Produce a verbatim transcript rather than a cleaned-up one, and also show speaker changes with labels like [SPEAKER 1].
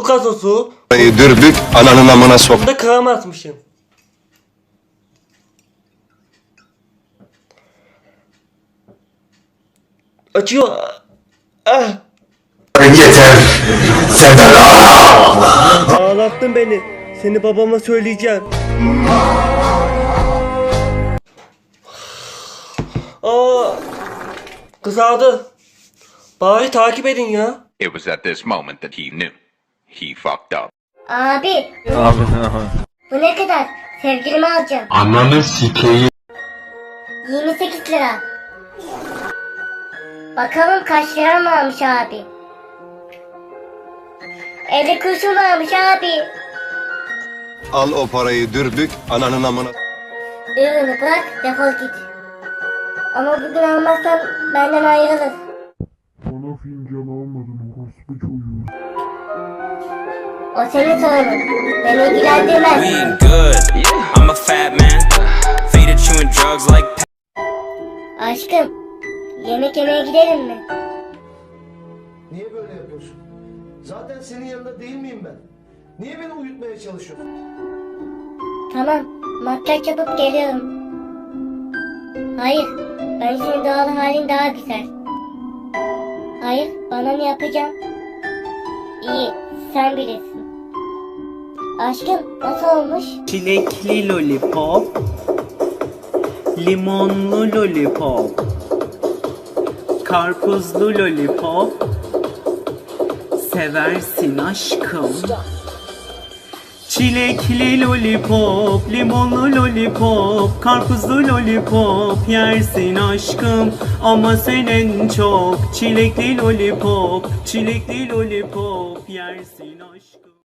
[SPEAKER 1] gazozu.
[SPEAKER 2] Dürbük ananın amına sok.
[SPEAKER 1] Bunda krem atmışım. Açıyor. Ah.
[SPEAKER 2] Yeter. Senden
[SPEAKER 1] Ağlattın beni. Seni babama söyleyeceğim. Aa, kızardı. Bari takip edin ya.
[SPEAKER 3] It was at this moment that he knew. He fucked up.
[SPEAKER 4] Abi
[SPEAKER 5] Abi
[SPEAKER 4] bu ne kadar? Sevgilimi alacağım.
[SPEAKER 2] Ananı sikeyim.
[SPEAKER 4] yirmi sekiz lira. Bakalım kaç lira mı almış abi? elli kuruşum varmış abi.
[SPEAKER 2] Al o parayı dürbük ananın amına.
[SPEAKER 4] Ürünü bırak defol git. Ama bugün almazsan benden ayrılır.
[SPEAKER 6] Bana fincan almadın orospu çocuğu.
[SPEAKER 4] O senin sorunun. Beni ilgilendirmez.
[SPEAKER 7] We ain't good. I'm a fat man. Faded chewing drugs like.
[SPEAKER 4] Aşkım, yemek yemeye gidelim mi?
[SPEAKER 8] Niye böyle yapıyorsun? Zaten senin yanında değil miyim ben? Niye beni uyutmaya çalışıyorsun?
[SPEAKER 4] Tamam, makyaj yapıp geliyorum. Hayır, ben senin doğal halin daha güzel. Hayır, bana ne yapacağım? İyi, sen bilirsin. Aşkım, nasıl olmuş?
[SPEAKER 9] Çilekli lollipop, limonlu lollipop, karpuzlu lollipop, seversin aşkım. Çilekli lollipop, limonlu lollipop, karpuzlu lollipop yersin aşkım. Ama sen en çok çilekli lollipop, çilekli lollipop yersin aşkım.